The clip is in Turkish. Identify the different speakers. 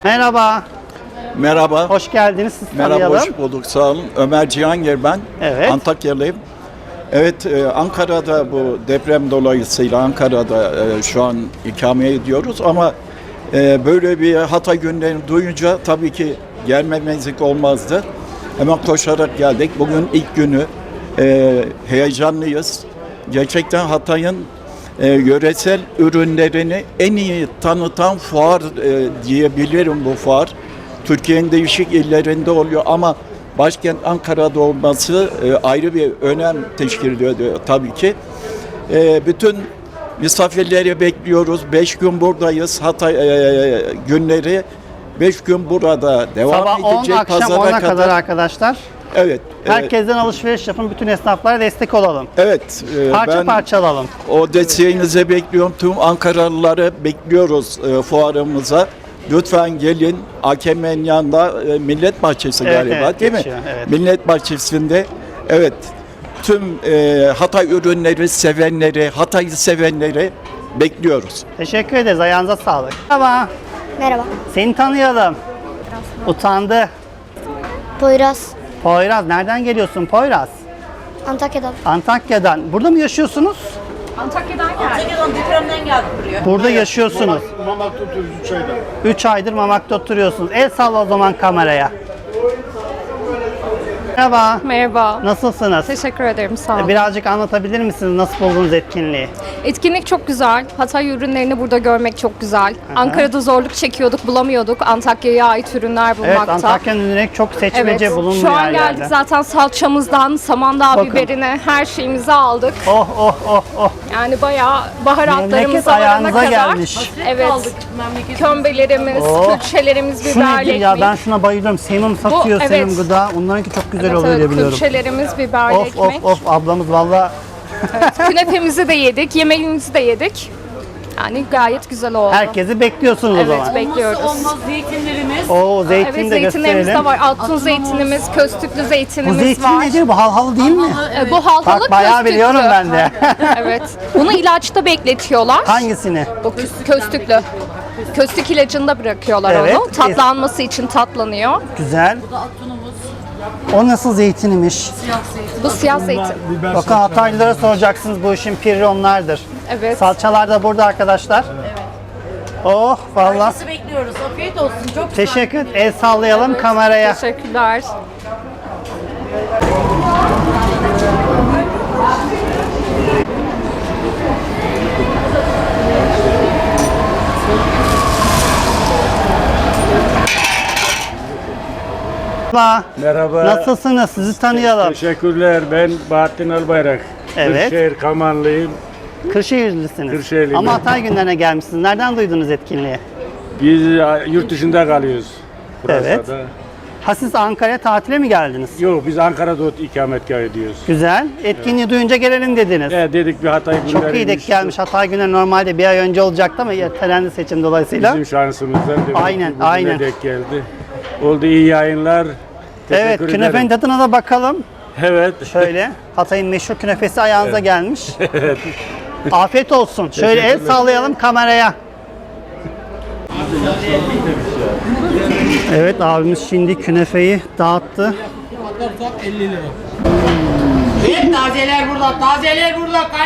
Speaker 1: Merhaba,
Speaker 2: Merhaba.
Speaker 1: hoş geldiniz. Siz
Speaker 2: Merhaba,
Speaker 1: tanıyalım.
Speaker 2: hoş bulduk. Sağ olun. Ömer Cihangir ben.
Speaker 1: Evet.
Speaker 2: Antakyalıyım. Evet, Ankara'da bu deprem dolayısıyla Ankara'da şu an ikame ediyoruz ama böyle bir Hatay günlerini duyunca tabii ki gelmemezlik olmazdı. Hemen koşarak geldik. Bugün ilk günü. Heyecanlıyız. Gerçekten Hatay'ın yöresel ürünlerini en iyi tanıtan fuar diyebilirim bu fuar. Türkiye'nin değişik illerinde oluyor ama başkent Ankara'da olması ayrı bir önem teşkil ediyor tabii ki. Bütün misafirleri bekliyoruz. 5 gün buradayız. Hatay günleri 5 gün burada devam
Speaker 1: Sabah 10,
Speaker 2: edecek.
Speaker 1: akşam
Speaker 2: Pazara
Speaker 1: 10'a kadar arkadaşlar.
Speaker 2: Evet.
Speaker 1: Herkesten alışveriş yapın, bütün esnaflara destek olalım.
Speaker 2: Evet.
Speaker 1: Parça
Speaker 2: Ben
Speaker 1: parça alalım.
Speaker 2: o desteğinizi bekliyorum. Tüm Ankaralıları bekliyoruz fuarımıza. Lütfen gelin. AKM'nin yanında Millet Bahçesi
Speaker 1: Evet,
Speaker 2: galiba
Speaker 1: evet,
Speaker 2: değil mi?
Speaker 1: geçiyor, evet.
Speaker 2: Millet Bahçesi'nde evet tüm Hatay ürünleri sevenleri, Hatay'ı sevenleri bekliyoruz.
Speaker 1: Teşekkür ederiz, ayağınıza sağlık. Merhaba,
Speaker 3: Merhaba.
Speaker 1: seni tanıyalım. Utandı.
Speaker 3: Poyraz.
Speaker 1: Poyraz, nereden geliyorsun Poyraz?
Speaker 3: Antakya'dan.
Speaker 1: Antakya'dan. Burada mı yaşıyorsunuz?
Speaker 4: Antakya'dan depremden geldik buraya.
Speaker 1: Burada yaşıyorsunuz.
Speaker 5: Mamak'ta oturuyoruz 3 ayda.
Speaker 1: 3 aydır Mamak'ta oturuyorsunuz. El salla o zaman kameraya. Merhaba,
Speaker 4: Merhaba.
Speaker 1: nasılsınız?
Speaker 4: Teşekkür ederim, sağ olun.
Speaker 1: Birazcık anlatabilir misiniz nasıl buldunuz etkinliği?
Speaker 4: Etkinlik çok güzel. Hatay ürünlerini burada görmek çok güzel. Ankara'da zorluk çekiyorduk, bulamıyorduk. Antakya'ya ait ürünler
Speaker 1: Evet,
Speaker 4: bulmakta.
Speaker 1: Antakya'nın ürünleri çok seçmece
Speaker 4: Evet.
Speaker 1: bulunmuyor
Speaker 4: Şu an
Speaker 1: her
Speaker 4: geldik
Speaker 1: yerde.
Speaker 4: zaten salçamızdan, samandağ
Speaker 1: Bakın.
Speaker 4: biberine her şeyimizi aldık.
Speaker 1: Oh oh oh oh.
Speaker 4: Yani bayağı baharatlarımıza
Speaker 1: Memleket
Speaker 4: varana
Speaker 1: ayağınıza
Speaker 4: kadar.
Speaker 1: gelmiş.
Speaker 4: Evet. Kömbelerimiz,
Speaker 1: Oh.
Speaker 4: külçelerimiz,
Speaker 1: Şu
Speaker 4: biberli
Speaker 1: nedir ya,
Speaker 4: ekmek.
Speaker 1: ben şuna bayılıyorum. Sevimim satıyor,
Speaker 4: evet.
Speaker 1: Sevim Gıda. Onlarınki çok güzel oluyor diye biliyorum.
Speaker 4: külçelerimiz, biberli
Speaker 1: Of
Speaker 4: ekmek.
Speaker 1: of of, ablamız valla
Speaker 4: Künefemizi de yedik, yemeğimizi de yedik. Yani gayet güzel oldu.
Speaker 1: herkesi bekliyorsunuz o
Speaker 4: Evet,
Speaker 1: zaman.
Speaker 4: bekliyoruz.
Speaker 6: Olmaz zeytinlerimiz.
Speaker 1: Oo, zeytin
Speaker 4: Evet,
Speaker 1: de
Speaker 4: zeytinlerimiz
Speaker 1: gösterelim.
Speaker 4: de var. Altın zeytinimiz, köstüklü
Speaker 1: Bu
Speaker 4: zeytinimiz
Speaker 1: zeytin
Speaker 4: var.
Speaker 1: nedir? Bu halhalı değil mi?
Speaker 4: Bu halkalı
Speaker 1: Bak bayağı
Speaker 4: köstüklü.
Speaker 1: biliyorum ben de.
Speaker 4: Evet. Bunu ilaçta bekletiyorlar.
Speaker 1: Hangisini?
Speaker 4: Bu köstüklü. Köstük ilacında bırakıyorlar
Speaker 1: Evet.
Speaker 4: onu. Tatlanması için tatlanıyor.
Speaker 1: Güzel. O nasıl zeytinmiş?
Speaker 4: Bu siyah zeytin.
Speaker 1: Bakın Hataylılara soracaksınız, bu işin pirri onlardır.
Speaker 4: Evet.
Speaker 1: Salçalar da burada arkadaşlar. Oh valla.
Speaker 6: Herkesi bekliyoruz. Afiyet olsun. Çok güzel.
Speaker 1: Teşekkür. El sallayalım kameraya.
Speaker 4: Teşekkürler.
Speaker 1: Merhaba.
Speaker 5: Merhaba.
Speaker 1: Nasılsınız? Sizi tanıyalım.
Speaker 5: Teşekkürler. Ben Bahattin Albayrak.
Speaker 1: Evet.
Speaker 5: Kırşehir Kamanlıyım.
Speaker 1: Kırşehirlisiniz.
Speaker 5: Kırşehirliyim
Speaker 1: Ama
Speaker 5: ben.
Speaker 1: Hatay günlerine gelmişsiniz. Nereden duydunuz etkinliği?
Speaker 5: Biz yurt dışında kalıyoruz. Fransa'da.
Speaker 1: Ha, siz Ankara'ya tatile mi geldiniz?
Speaker 5: Yok, biz Ankara'da ikametgah ediyoruz.
Speaker 1: Güzel. Etkinliği duyunca gelelim dediniz.
Speaker 5: Dedik bir Hatay günleri.
Speaker 1: Çok iyi denk gelmiş. Hatay günleri normalde bir ay önce olacaktı ama ertelendi seçim dolayısıyla.
Speaker 5: Bizim şansımızdan demek
Speaker 1: Aynen,
Speaker 5: ki bugüne
Speaker 1: aynen.
Speaker 5: denk geldi. Oldu, iyi yayınlar.
Speaker 1: Evet,
Speaker 5: Teşekkür
Speaker 1: künefenin
Speaker 5: ederim.
Speaker 1: tadına da bakalım.
Speaker 5: Evet.
Speaker 1: Şöyle, Hatay'ın meşhur künefesi ayağınıza gelmiş. Afiyet olsun. Şöyle el sallayalım kameraya. Evet, abimiz şimdi künefeyi dağıttı.
Speaker 7: Hep tazeler burada, tazeler burada.